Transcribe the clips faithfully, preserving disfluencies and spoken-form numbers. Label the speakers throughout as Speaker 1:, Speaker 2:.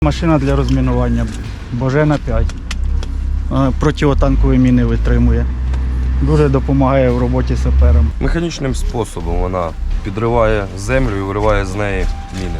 Speaker 1: Машина для розмінування Божена п'ять. Противотанкові міни витримує. Дуже допомагає в роботі саперам.
Speaker 2: Механічним способом вона підриває землю і вириває з неї міни.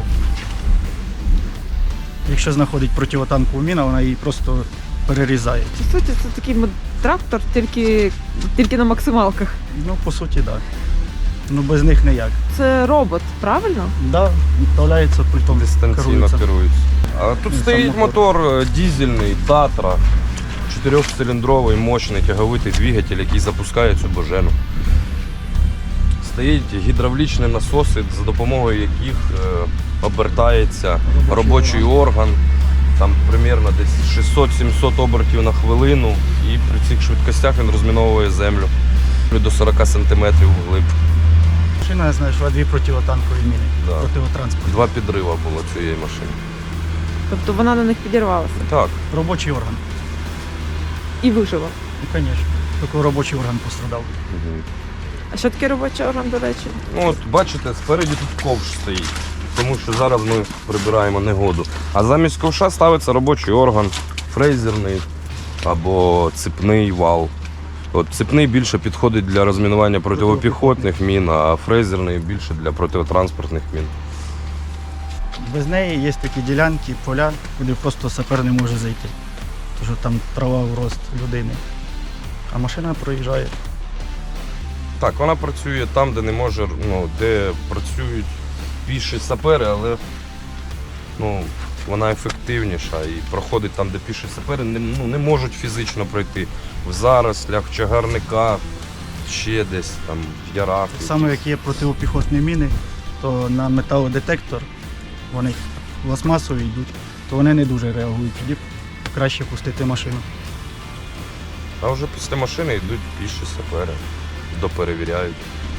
Speaker 1: Якщо знаходить противотанкову міну, вона її просто перерізає.
Speaker 3: По суті, це такий трактор, тільки, тільки на максималках.
Speaker 1: Ну, по суті, так. Да. Ну, без них ніяк.
Speaker 3: Це робот, правильно?
Speaker 1: Так, да, відправляється пультом.
Speaker 2: Дистанційно
Speaker 1: керується.
Speaker 2: керується. А тут
Speaker 1: І
Speaker 2: стоїть
Speaker 1: сам
Speaker 2: мотор. мотор дизельний, Татра, чотирьохциліндровий, мощний тяговитий двигатель, який запускає цю божену. Стоїть гідравлічні насоси, за допомогою яких е, обертається робочий, робочий орган. Там приблизно десь шістсот-сімсот обертів на хвилину, і при цих швидкостях він розміновує землю до сорока сантиметрів вглиб.
Speaker 1: Машина, я знаю, що дві противотанкові міни,
Speaker 2: Да.
Speaker 1: противотранспортні.
Speaker 2: Два підрива було цієї машини.
Speaker 3: Тобто вона на них підірвалася
Speaker 2: Так.
Speaker 1: Робочий орган.
Speaker 3: і вижила.
Speaker 1: Ну, звісно. Тільки робочий орган пострадав.
Speaker 2: Угу.
Speaker 3: А що таке робочий орган, до речі?
Speaker 2: Ну от бачите, спереді тут ковш стоїть, тому що зараз ми прибираємо негоду. А замість ковша ставиться робочий орган, фрезерний або цепний вал. От цепний більше підходить для розмінування протипіхотних мін, а фрезерний більше для протитранспортних мін.
Speaker 1: Без неї є такі ділянки, поля, куди просто сапер не може зайти. Тому що там трава в рост людини. А машина проїжджає.
Speaker 2: Так, вона працює там, де не може, ну, де працюють піші сапери, але ну, вона ефективніша і проходить там, де піші сапери не, ну, не можуть фізично пройти. В зарослях, в чагарниках, ще десь там, в ярах.
Speaker 1: Так само, як є протипіхотні міни, то на металодетектор вони пластмасові йдуть, то вони не дуже реагують. Тоді краще пустити машину.
Speaker 2: А вже після машини йдуть піші сапери, доперевіряють.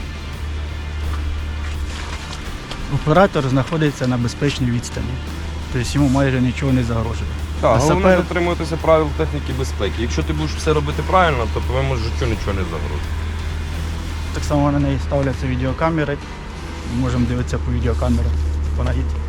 Speaker 1: Оператор знаходиться на безпечній відстані, тобто йому майже нічого не загрожує.
Speaker 2: Так,
Speaker 1: А
Speaker 2: головне
Speaker 1: сапер-
Speaker 2: дотримуватися правил техніки безпеки. Якщо ти будеш все робити правильно, то твоєму життю нічого не загрожує.
Speaker 1: Так само на неї ставляться відеокамери, можемо дивитися по відеокамерах, вона їде.